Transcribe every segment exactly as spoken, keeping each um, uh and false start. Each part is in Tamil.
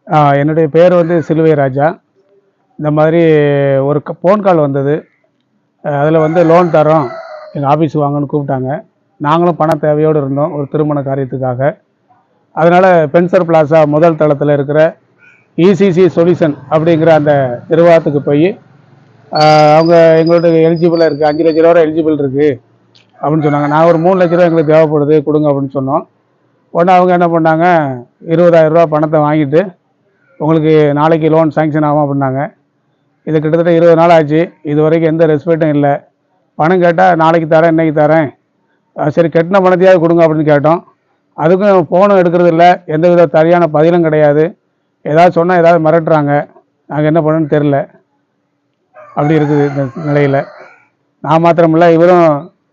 என்னுடைய பேர் வந்து சிலுவை ராஜா. இந்த மாதிரி ஒரு ஃபோன் கால் வந்தது. அதில் வந்து லோன் தரோம், எங்கள் ஆஃபீஸுக்கு வாங்கன்னு கூப்பிட்டாங்க. நாங்களும் பண தேவையோடு இருந்தோம் ஒரு திருமண காரியத்துக்காக. அதனால் பென்சர் பிளாசா முதல் தளத்தில் இருக்கிற இசிசி சொல்யூஷன் அப்படிங்கிற அந்த நிர்வாகத்துக்கு போய் அவங்க எங்களுடைய எலிஜிபிளாக இருக்குது, அஞ்சு லட்ச ரூபா எலிஜிபிள் இருக்குது அப்படின்னு சொன்னாங்க. நான் ஒரு மூணு லட்ச ரூபா எங்களுக்கு தேவைப்படுது கொடுங்க அப்படின்னு சொன்னோம். உடனே அவங்க என்ன பண்ணாங்க, இருபதாயிரம் ரூபா பணத்தை வாங்கிட்டு உங்களுக்கு நாளைக்கு லோன் சாங்ஷன் ஆகும் அப்படின்னாங்க. இது கிட்டத்தட்ட இருபது நாள் ஆச்சு, இது வரைக்கும் எந்த ரெஸ்பெக்டும் இல்லை. பணம் கேட்டால் நாளைக்கு தரேன், இன்றைக்கி தரேன், சரி கட்டின பணத்தையாவது கொடுங்க அப்படின்னு கேட்டோம். அதுக்கும் ஃபோனும் எடுக்கிறது இல்லை, எந்த வித சரியான பதிலும் கிடையாது. ஏதாவது சொன்னால் ஏதாவது மிரட்டுறாங்க. நாங்கள் என்ன பண்ணணும்னு தெரில. அப்படி இருக்குது இந்த நிலையில். நான் மாத்திரமில்லை, இவரும்.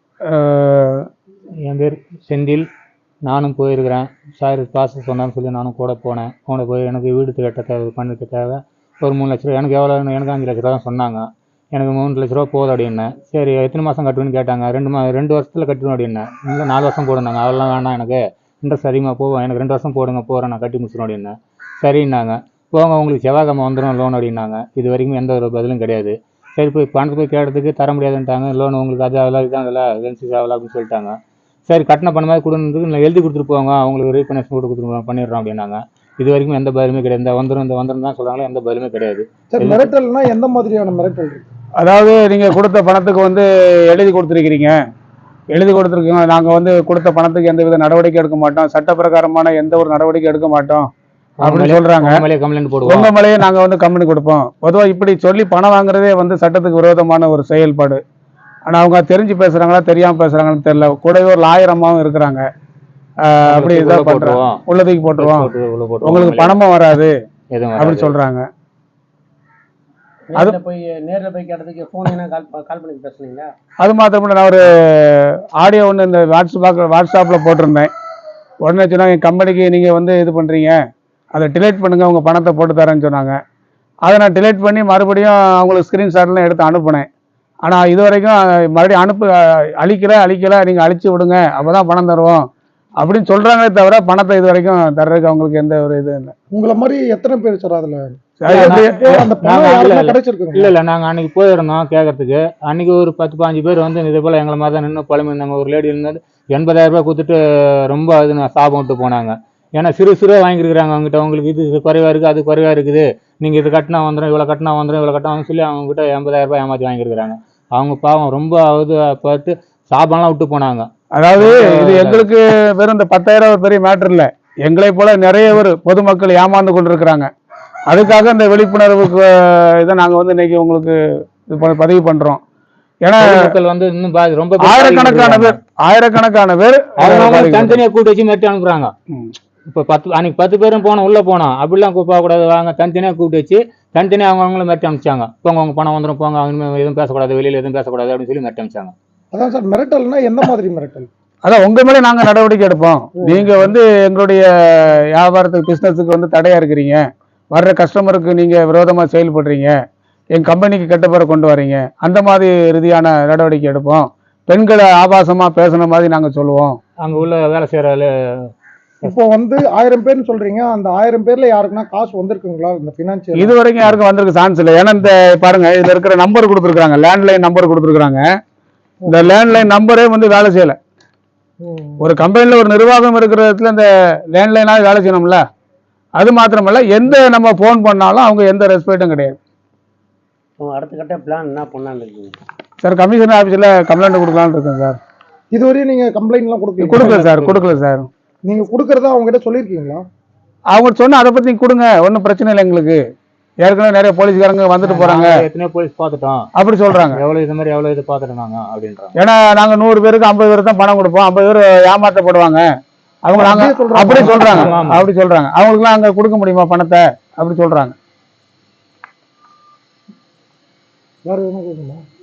என் பேர் செந்தில். நானும் போயிருக்கிறேன். சார் காசு சொன்னான்னு சொல்லி நானும் கூட போனேன். கூட போய் எனக்கு வீடு கட்ட தேவை, பண்ணிக்க தேவை ஒரு மூணு லட்ச ரூபா. எனக்கு எவ்வளோ, எனக்கு அஞ்சு லட்ச ரூபா தான் சொன்னாங்க. எனக்கு மூணு லட்ச ரூபா போதும் அப்படின்னேன். சரி எத்தனை மாதம் கட்டுவேன்னு கேட்டாங்க. ரெண்டு மா ரெண்டு வருஷத்தில் கட்டணும் அப்படின்னேன். இல்லை நாலு வருஷம் போடுனாங்க. அதெல்லாம் வேணாம், எனக்கு இன்ட்ரெஸ்ட் அதிகமாக போவோம், எனக்கு ரெண்டு வருஷம் போடுங்க, போகிறேன், நான் கட்டி முடிச்சிடும் அப்படின்னேன். சரின்னாங்க. போங்க உங்களுக்கு செவ்வாய்க்கிழமை வந்துடும் லோன் அப்படின்னாங்க. இது வரைக்கும் எந்த ஒரு பதிலும் கிடையாது. சரி போய் பணத்தை போய் கேட்டதுக்கு தர முடியாதுன்ட்டாங்க. லோன் உங்களுக்கு அது ஆகல, இதுதான் இல்லை, ஏஜென்சி ஆகலை அப்படின்னு சொல்லிட்டாங்க. சரி கட்டின பண்ண மாதிரி கொடுன்றதுக்கு இல்லை எழுதி கொடுத்துட்டு போவாங்க, அவங்களுக்கு ரீஃபைனான்ஸ் போட்டு கொடுத்துருவோம் பண்ணிடுறோம் அப்படின்னாங்க. இது வரைக்கும் எந்த பதிலுமே கிடையாது. இந்த வந்துடும் இந்த வந்துடும் தான் சொல்கிறாங்களே, எந்த பதிலுமே கிடையாது. சரி மிரட்டல்னா எந்த மாதிரியான மிரட்டல்? அதாவது நீங்கள் கொடுத்த பணத்துக்கு வந்து எழுதி கொடுத்துருக்கிறீங்க, எழுதி கொடுத்துருக்கீங்க, நாங்கள் வந்து கொடுத்த பணத்துக்கு எந்த வித நடவடிக்கை எடுக்க மாட்டோம், சட்டப்பிரகாரமான எந்த ஒரு நடவடிக்கை எடுக்க மாட்டோம் அப்படின்னு சொல்கிறாங்க. கம்ப்ளைண்ட் போடுவோம், உங்கள் மேலேயே நாங்கள் வந்து கம்ப்ளைண்ட் கொடுப்போம். பொதுவாக இப்படி சொல்லி பணம் வாங்குறதே வந்து சட்டத்துக்கு விரோதமான ஒரு செயல்பாடு. ஆனால் அவங்க தெரிஞ்சு பேசுகிறாங்களா தெரியாமல் பேசுகிறாங்கன்னு தெரியல. கூடவே ஒரு லாயர் அம்மாவும் இருக்கிறாங்க. அப்படி இதாக பண்ணுறோம், உள்ளதுக்கு போட்டுருவோம், உங்களுக்கு பணமும் வராது அப்படின்னு சொல்கிறாங்க. அது போய் நேரில் போய் கேட்டதுக்கு ஃபோன் என்ன கால் கால் பண்ணி பேசுனீங்க? அது மாத்திரம் நான் ஒரு ஆடியோ ஒன்று இந்த வாட்ஸ்அப் வாட்ஸ்அப்பில் போட்டிருந்தேன். உடனே சொன்னாங்க என் கம்பெனிக்கு நீங்கள் வந்து இது பண்ணுறீங்க, அதை டிலேட் பண்ணுங்கள், உங்கள் பணத்தை போட்டு தரேன்னு சொன்னாங்க. அதை நான் டிலேட் பண்ணி மறுபடியும் அவங்களுக்கு ஸ்க்ரீன்ஷாட்லாம் எடுத்து அனுப்புனேன். ஆனால் இது வரைக்கும் மறுபடியும் அனுப்பு அழிக்கலை அழிக்கலை நீங்கள் அழிச்சு விடுங்க, அப்போ தான் பணம் தருவோம் அப்படின்னு சொல்கிறாங்களே தவிர பணத்தை இது வரைக்கும் தர்றதுக்கு அவங்களுக்கு எந்த ஒரு இது இல்லை. உங்களை மாதிரி எத்தனை பேர் சார் அதில்? இல்லை இல்லை நாங்கள் அன்றைக்கி போயிருந்தோம் கேட்கறதுக்கு. அன்றைக்கி ஒரு பத்து பாஞ்சு பேர் வந்து இதே போல் எங்களை மாதிரி தான் நின்று பழமை இருந்தாங்க. ஒரு லேடி இருந்தால் எண்பதாயிரம் ரூபாய் கொடுத்துட்டு ரொம்ப அது நான் சாபம் விட்டு போனாங்க. ஏன்னா சிறு சிறுவாக வாங்கியிருக்கிறாங்க அவங்ககிட்ட. அவங்களுக்கு இது குறைவாக இருக்குது, அது குறைவாக இருக்குது, நீங்கள் இது கட்டினா வந்துடும், இவ்வளோ கட்டினா வந்துடும், இவ்வளோ கட்டினா சொல்லி அவங்ககிட்ட எண்பதாயிரம் ரூபாய் ஏமாற்றி வாங்கியிருக்கிறாங்க. அவங்க பாவம் ரொம்ப இது பார்த்து சாபம்லாம் விட்டு போனாங்க. அதாவது இது எங்களுக்கு வெறும் இந்த பத்தாயிரம் ஒரு பெரிய மேட்டர் இல்லை, எங்களை போல நிறைய பேர் பொதுமக்கள் ஏமாந்து கொண்டு இருக்கிறாங்க. அதுக்காக இந்த விழிப்புணர்வுக்கு இதை நாங்கள் வந்து இன்னைக்கு உங்களுக்கு இது பதிவு பண்ணுறோம். ஏன்னா மக்கள் வந்து இன்னும் ரொம்ப ஆயிரக்கணக்கான பேர் ஆயிரக்கணக்கான பேர் தனித்தனியாக கூட்டு வச்சு மெட்டி அனுப்புறாங்க. இப்போ பத்து அன்னைக்கு பத்து பேரும் போனோம், உள்ளே போனோம், அப்படிலாம் போகக்கூடாது, வாங்க தனித்தனியாக கூப்பிட்டு வச்சு தனித்தனியாக அவங்க அவங்களும் மெட்டி அனுப்பிச்சாங்க. போங்க உங்க பணம் வந்துடும், போங்க, அவங்க எதுவும் பேசக்கூடாது, வெளியில் எதுவும் பேசக்கூடாது அப்படின்னு சொல்லி மெட்டி அனுப்பிச்சாங்க. அதான் சார் மிரட்டல்னா எந்த மாதிரி மிரட்டல்? அதான் உங்க மேலே நாங்கள் நடவடிக்கை எடுப்போம், நீங்க வந்து எங்களுடைய வியாபாரத்துக்கு பிஸ்னஸுக்கு வந்து தடையா இருக்கிறீங்க, வர்ற கஸ்டமருக்கு நீங்க விரோதமா செயல்படுறீங்க, என் கம்பெனிக்கு கெட்ட பேரை கொண்டு வரீங்க, அந்த மாதிரி ரீதியான நடவடிக்கை எடுப்போம். பெண்களை ஆபாசமா பேசுன மாதிரி நாங்க சொல்லுவோம். அங்க உள்ள வேலை செய்யற இப்போ வந்து ஆயிரம் பேர்னு சொல்றீங்க, அந்த ஆயிரம் பேர்ல யாருக்குன்னா காசு வந்திருக்குங்களா இந்த பினான்சியல்? இது வரைக்கும் யாருக்கும் வந்திருக்கு சான்ஸ் இல்லை. ஏன்னா இந்த பாருங்க இதுல இருக்கிற நம்பர் கொடுத்துருக்காங்க, லேண்ட்லைன் நம்பர் கொடுத்துருக்காங்க. இந்த லேண்ட்லைன் நம்பரே வந்து வேலை செய்யல. ஒரு கம்பெனில ஒரு நிர்வாகம் இருக்கிற இடத்துல இந்த லேண்ட்லைனாக வேலை செய்யணும்ல. அது மாத்திரமல்ல, எந்த நம்ம போன் பண்ணாலும் அவங்க எந்த ரெஸ்பெக்டும் கிடையாது. அடுத்த கட்ட பிளான் என்ன பண்ணலான்னு இருக்கீங்க சார்? கமிஷனர் ஆஃபீஸில் கம்ப்ளைண்ட் கொடுக்கலான்னு இருக்கேன் சார். இதுவரையும் நீங்கள் கம்ப்ளைண்ட்லாம் கொடுக்கல? கொடுக்கல சார், கொடுக்கல சார். நீங்கள் கொடுக்குறதா அவங்ககிட்ட சொல்லியிருக்கீங்களா? அவங்க சொன்ன அதை பற்றி கொடுங்க, ஒன்றும் பிரச்சனை இல்லை எங்களுக்கு. ஏற்கனவே நிறைய போலீஸ்காரங்க வந்துட்டு போறாங்க, எத்தனை போலீஸ் பார்த்துட்டோம் அப்படி சொல்றாங்க. எவ்வளவு இது மாதிரி எவ்வளவு இது பார்த்துட்டாங்க அப்படின்றாங்க. ஏன்னா நாங்க நூறு பேருக்கு ஐம்பது பேருக்கு தான் பணம் கொடுப்போம், ஐம்பது பேர் ஏமாற்றப்படுவாங்க அவங்க. நாங்க அப்படி சொல்றாங்க, அப்படி சொல்றாங்க. அவங்களுக்குலாம் அங்க கொடுக்க முடியுமா பணத்தை அப்படி சொல்றாங்க. வேற என்ன